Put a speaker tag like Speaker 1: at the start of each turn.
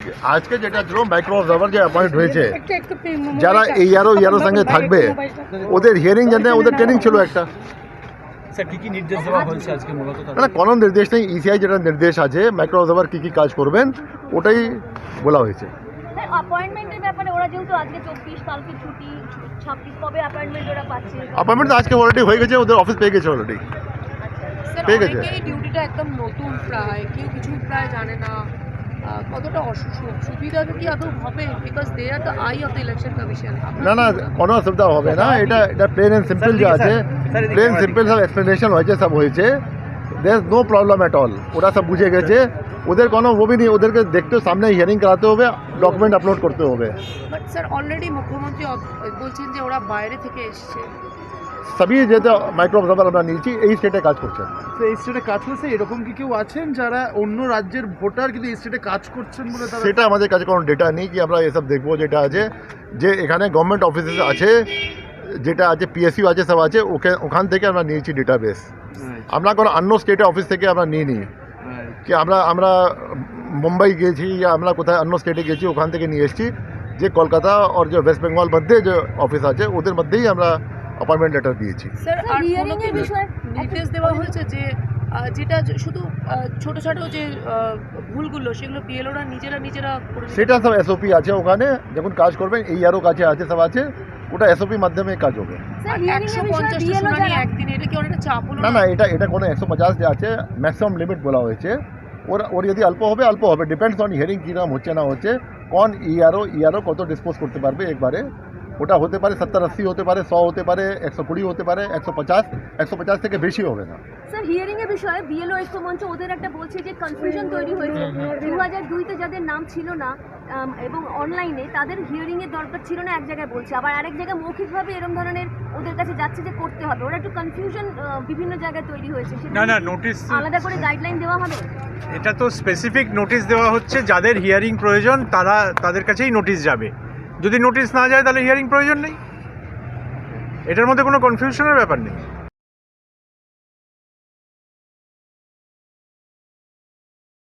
Speaker 1: আজকে যেটা ছিল মাইক্রো অবজারভার যে অ্যাপয়েন্ট হয়েছে, যারা ইয়ারো সঙ্গে থাকবে ওদের হিয়ারিং জানে, ওদের ট্রেনিং ছিল একটা।
Speaker 2: নির্দেশ দেওয়া হয়েছে আজকে মূলত?
Speaker 1: না, কোনো নির্দেশ নেই। ইসিআই যেটা নির্দেশ আছে মাইক্রো অবজারভার কী কী কাজ করবেন ওটাই বলা হয়েছে।
Speaker 3: অ্যাপয়েন্টমেন্টের ব্যাপারে ওরা যেহেতু আজকে 24 কালকে ছুটি 26 কবে অ্যাপয়েন্টমেন্ট ওরা পাচ্ছে?
Speaker 1: অ্যাপয়েন্টমেন্ট আজকে অলরেডি হয়ে গেছে, ওদের অফিস পেয়ে গেছে অলরেডি। ঠিক আছে,
Speaker 4: এই ডিউটিটা একদম নতুন, প্রায় কেউ কিছু প্রায় জানে না, কতটা সুবিধা কি আদৌ হবে? Because they are the eye of the election commission.
Speaker 1: না কোনো অসুবিধা হবে না। এটা প্লেন অ্যান্ড সিম্পল যে আছে, প্লেন সিম্পল সব এক্সপ্লেনেশন হয়েছে, সব হয়েছে। There no problem at all. ওরা সব বুঝে গেছে, ওদের কোনো ওবি নেই। ওদেরকে দেখতে সামনে হিয়ারিং করাতে হবে, ডকুমেন্ট আপলোড করতে হবে।
Speaker 4: বাট স্যার অলরেডি মুখ্যমন্ত্রী বলছেন যে ওরা বাইরে থেকে এসছে।
Speaker 1: সবই যেটা মাইক্রো অবজারভার আমরা নিয়েছি এই স্টেটে কাজ করছেন।
Speaker 2: তো এই স্টেটে কাজ করছে, এরকম কি কেউ আছেন যারা অন্য রাজ্যের ভোটার কিন্তু এই স্টেটে কাজ করছেন বলে?
Speaker 1: সেটা আমাদের কাছে কোনো ডেটা নেই কি আমরা এসব দেখবো। যেটা আছে যে এখানে গভর্নমেন্ট অফিসেস আছে, যেটা আছে পিএসইউ আছে, সব আছে, ওখান থেকে আমরা নিয়েছি ডেটাবেস। আমরা কোনো অন্য স্টেটের অফিস থেকে আমরা নিই কি আমরা মুম্বাই গেছি या আমরা কোথায় অন্য স্টেটে গেছি, ওখান থেকে নিয়ে এসেছি। যে কলকাতা আর যে ওয়েস্ট বেঙ্গল মধ্যে যে অফিস আছে ওদের মধ্যেই আমরা অ্যাপয়েন্টমেন্ট লেটার দিয়েছি।
Speaker 4: স্যার আর হিয়ারিং এর বিষয়ে নির্দেশ দেওয়া হয়েছে যে যেটা শুধু ছোটো যে ভুলগুলো সেগুলো বিএলওরা নিজেরা করে,
Speaker 1: সেটা সব এসওপি আছে ওখানে। যখন কাজ করবেন এই আরও কাছে আছে, সব আছে, ওটা এসওপি মাধ্যমে কাজ হবে।
Speaker 4: 150টা শুনানি একদিনে, এটা কি অনেকটা চাপ হলো
Speaker 1: না? এটা কোনো 150 যে আছে ম্যাক্সিমাম লিমিট বলা হয়েছে। ওর যদি অল্প হবে, ডিপেন্ডস অন হিয়ারিং কী নাম হচ্ছে না হচ্ছে, কোন ইআরও কত ডিসপোজ করতে পারবে একবারে। ওটা হতে পারে 70-80 হতে পারে, 100 হতে পারে, 120 হতে পারে, 150 থেকে বেশি হবে না।
Speaker 3: স্যার হিয়ারিং এর বিষয়ে বিএলও ঐক্য মঞ্চ ওদের একটা বলছে যে কনফিউশন তৈরি হয়েছে। 2002-তে যাদের নাম ছিল না এবং অনলাইনে তাদের হিয়ারিং এর দরকার ছিল না এক জায়গায় বলছে, আবার আরেক জায়গায় মৌখিকভাবে এরকম ধরনের ওদের কাছে যাচ্ছে যে করতে হবে। ওরা একটু কনফিউশন বিভিন্ন জায়গায় তৈরি হয়েছে।
Speaker 5: না নোটিশ
Speaker 3: আলাদা করে গাইডলাইন দেওয়া হবে?
Speaker 5: এটা তো স্পেসিফিক নোটিশ দেওয়া হচ্ছে, যাদের হিয়ারিং প্রয়োজন তাদের কাছেই নোটিশ যাবে। যদি নোটিশ না যায় তাহলে হিয়ারিং প্রয়োজন নেই। এটার মধ্যে কোনো কনফিউশনের ব্যাপার নেই।